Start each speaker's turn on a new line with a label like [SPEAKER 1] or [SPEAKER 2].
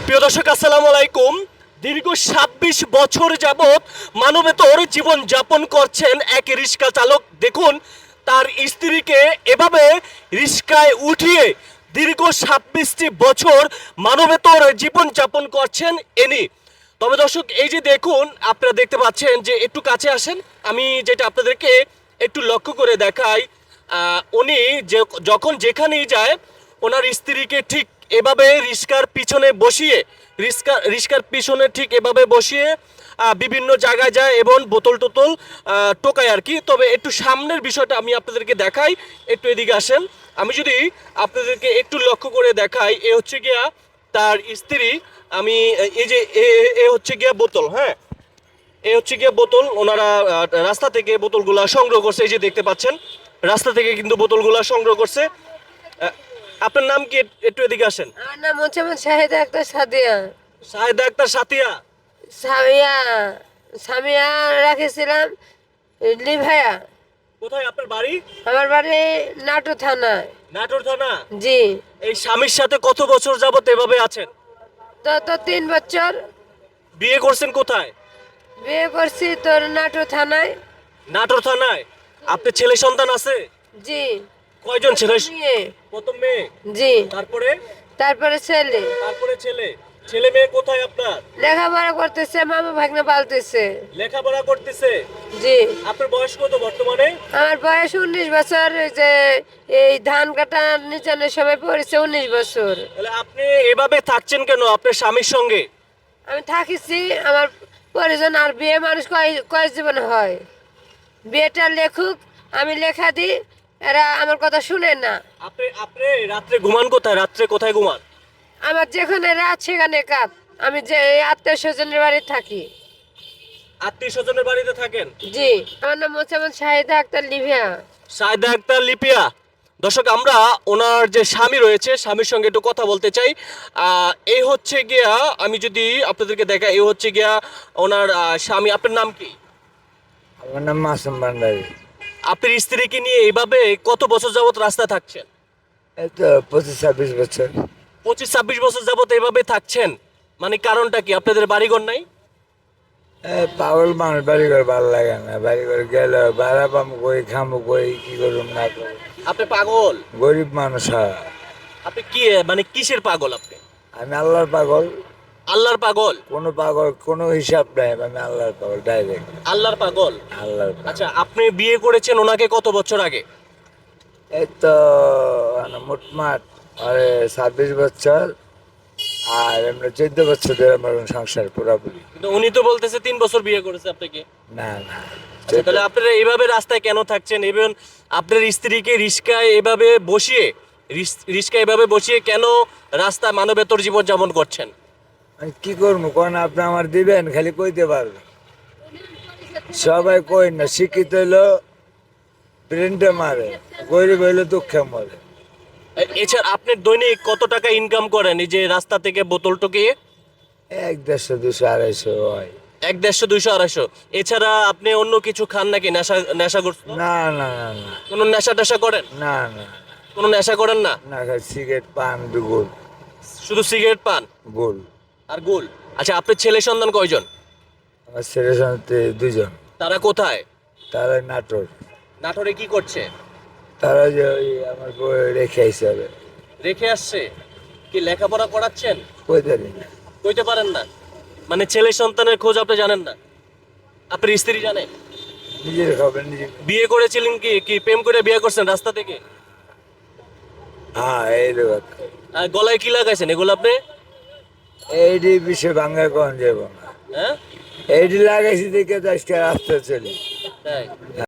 [SPEAKER 1] প্রিয় দর্শক আসসালামু আলাইকুম। দীর্ঘ ২৬ বছর যাবৎ মানবেতর জীবন যাপন করছেন এক রিক্সা চালক। দেখুন তার স্ত্রীকে এভাবে রিক্সায় উঠিয়ে দীর্ঘ ২৬টি বছর মানবেতর জীবন যাপন করছেন ইনি। তবে দর্শক এই যে দেখুন, আপনারা দেখতে পাচ্ছেন যে একটু কাছে আসেন, আমি যেটা আপনাদেরকে একটু লক্ষ্য করে দেখাই। উনি যখন যেখানেই যায় ওনার স্ত্রীকে ঠিক এভাবে রিক্সার পিছনে বসিয়ে রিক্সার পিছনে ঠিক এভাবে বসিয়ে বিভিন্ন জায়গায় যায় এবং বোতল টোতল টোকায় আর কি। তবে একটু সামনের বিষয়টা আমি আপনাদেরকে দেখাই, একটু এদিকে আসেন। আমি যদি আপনাদেরকে একটু লক্ষ্য করে দেখাই, এ হচ্ছে গিয়া তার স্ত্রী। আমি এই যে এ হচ্ছে গিয়া বোতল, হ্যাঁ, এ হচ্ছে গিয়া বোতল। ওনারা রাস্তা থেকে বোতলগুলা সংগ্রহ করছে, এই যে দেখতে পাচ্ছেন রাস্তা থেকে কিন্তু বোতলগুলা সংগ্রহ করছে। আপনার নাম কি? একটু এদিকে আসেন।
[SPEAKER 2] আমার নাম হচ্ছে শাহিদা আক্তার সাদিয়া।
[SPEAKER 1] শাহেদা আক্তার সাতিয়া।
[SPEAKER 2] সামিয়া সামিয়া রাখেছিলাম লিভায়া।
[SPEAKER 1] কোথায় আপনার বাড়ি?
[SPEAKER 2] আমার বাড়ি নাটোর থানায়।
[SPEAKER 1] নাটোর থানা।
[SPEAKER 2] জি।
[SPEAKER 1] এই স্বামীর সাথে কত বছর যাবত এভাবে আছেন?
[SPEAKER 2] তো 3 বছর।
[SPEAKER 1] বিয়ে করছেন কোথায়?
[SPEAKER 2] বিয়ে করছি তোর নাটোর থানায়।
[SPEAKER 1] নাটোর থানায়। আপনার ছেলে সন্তান আছে?
[SPEAKER 2] জি।
[SPEAKER 1] কয়জন ছেলে?
[SPEAKER 2] মেয়ে।
[SPEAKER 1] প্রথম মেয়ে।
[SPEAKER 2] জি।
[SPEAKER 1] তারপরে?
[SPEAKER 2] তারপরে ছেলে।
[SPEAKER 1] তারপরে ছেলে। ছেলে মেয়ে কোথায় আপনার?
[SPEAKER 2] লেখাপড়া করতেছে, মামা ভাগ্নে পালতেছে।
[SPEAKER 1] লেখাপড়া করতেছে।
[SPEAKER 2] জি।
[SPEAKER 1] আপনার বয়স কত বর্তমানে?
[SPEAKER 2] আমার বয়স 19 বছর। এই যে এই ধান কাটা নিচানের সময় পড়েছে 19 বছর।
[SPEAKER 1] তাহলে আপনি এভাবে থাকছেন কেন আপনার স্বামীর সঙ্গে?
[SPEAKER 2] আমি থাকিছি আমার পরিজন। আর বিয়ে মানুষ কয় জীবনে হয়? বিয়েটা লেখুক, আমি লেখা দিই, এরা আমার কথা শুনে না।
[SPEAKER 1] আপনি আপনি রাত্রে ঘুমান কোথায়? রাত্রে কোথায় ঘুমান?
[SPEAKER 2] আমার যেখানে রাত সেখানে কাত। আমি যে আত্মীয় স্বজনের বাড়ি থাকি।
[SPEAKER 1] আত্মীয় স্বজনের বাড়িতে থাকেন?
[SPEAKER 2] জি। আমার নাম হচ্ছে শাহিদা আক্তার লিভিয়া।
[SPEAKER 1] সাইদা আক্তার লিপিয়া। দর্শক আমরা ওনার যে স্বামী রয়েছে স্বামীর সঙ্গে একটু কথা বলতে চাই। এই হচ্ছে গিয়া, আমি যদি আপনাদেরকে দেখাই, এই হচ্ছে গিয়া ওনার স্বামী। আপনার নাম কি?
[SPEAKER 3] আমার নাম মাসুম ভান্ডারী।
[SPEAKER 1] আপনার স্ত্রীকে নিয়ে এইভাবে কত বছর যাবত রাস্তায় থাকছেন?
[SPEAKER 3] এই তো 25-26 বছর।
[SPEAKER 1] 25-26 বছর যাবত এইভাবে থাকছেন, মানে কারণটা কি? আপনাদের বাড়িঘর নাই?
[SPEAKER 3] পাগল মানুষ, বাড়ি ঘর ভালো লাগে না। বাড়ি ঘর গেলে ভাড়া পাবো কই, খামো কই, কি করুম না করুম।
[SPEAKER 1] আপনি পাগল?
[SPEAKER 3] গরিব মানুষ হয়।
[SPEAKER 1] আপনি কি মানে কিসের পাগল আপনি?
[SPEAKER 3] আমি আল্লাহর পাগল।
[SPEAKER 1] আল্লাহর পাগল?
[SPEAKER 3] কোনো পাগল কোনো হিসাব নাই, আমি আল্লাহর পাগল ডাইরেক্ট।
[SPEAKER 1] আল্লাহর পাগল।
[SPEAKER 3] আল্লাহর পাগল।
[SPEAKER 1] আচ্ছা, আপনি বিয়ে করেছেন ওনাকে কত বছর আগে?
[SPEAKER 3] এই তো মোটমাট আরে 26 বছর। আর এমনি 14 বছর ধরে আমার সংসার পুরাপুরি।
[SPEAKER 1] কিন্তু উনি তো বলতেছে 3 বছর বিয়ে করেছে আপনাকে।
[SPEAKER 3] না না,
[SPEAKER 1] আচ্ছা, তাহলে আপনারা এইভাবে রাস্তায় কেন থাকছেন? এবং আপনার স্ত্রীকে রিস্কায় এভাবে বসিয়ে রিস্কায় এভাবে বসিয়ে কেন রাস্তায় মানবেতর জীবন যাপন করছেন?
[SPEAKER 3] আমি কি করবো কোন? আপনি আমার দিবেন, খালি কইতে পারবেন। সবাই কই না, শিক্ষিত হইলো প্রিন্টে মারে, গরিব হইলো দুঃখে মরে।
[SPEAKER 1] এছাড়া আপনি দৈনিক কত টাকা ইনকাম করেন এই যে রাস্তা থেকে বোতল টকিয়ে?
[SPEAKER 3] 100, 200, 250 হয়।
[SPEAKER 1] 100, 200, 250। এছাড়া আপনি অন্য কিছু খান নাকি? নেশা
[SPEAKER 3] না না না না
[SPEAKER 1] কোনো নেশা টেশা করেন?
[SPEAKER 3] না না
[SPEAKER 1] কোনো নেশা করেন না?
[SPEAKER 3] না, খালি সিগারেট পান গোল
[SPEAKER 1] শুধু সিগারেট পান
[SPEAKER 3] গোল।
[SPEAKER 1] আর গোল। আচ্ছা, আপনার ছেলে সন্তান কয়জন?
[SPEAKER 3] আমার ছেলের সাথে 2 জন।
[SPEAKER 1] তারা কোথায়?
[SPEAKER 3] তারা নাটোর।
[SPEAKER 1] নাটোরে কি করছে?
[SPEAKER 3] তারা যে ওই আমার বউ রেখে আইসে হবে।
[SPEAKER 1] রেখে আসছে? কি লেখাপড়া করাচ্ছেন?
[SPEAKER 3] কইতে পারি না।
[SPEAKER 1] কইতে পারেন না? মানে ছেলে সন্তানের খোঁজ আপনি জানেন না? আপনার স্ত্রী জানে?
[SPEAKER 3] নিজের খাবেন নিজে।
[SPEAKER 1] বিয়ে করেছিলেন কি কি প্রেম করে বিয়ে করছেন রাস্তা থেকে?
[SPEAKER 3] হ্যাঁ, এই লোক
[SPEAKER 1] আর গলায় কি লাগাইছেন এগুলো আপনি?
[SPEAKER 3] এইটি বিষয়ে ভাঙ্গা কন যাব না।
[SPEAKER 1] হ্যাঁ,
[SPEAKER 3] এইটি লাগাইছি দেখে তো আজকে রাস্তা চলি।
[SPEAKER 1] তাই?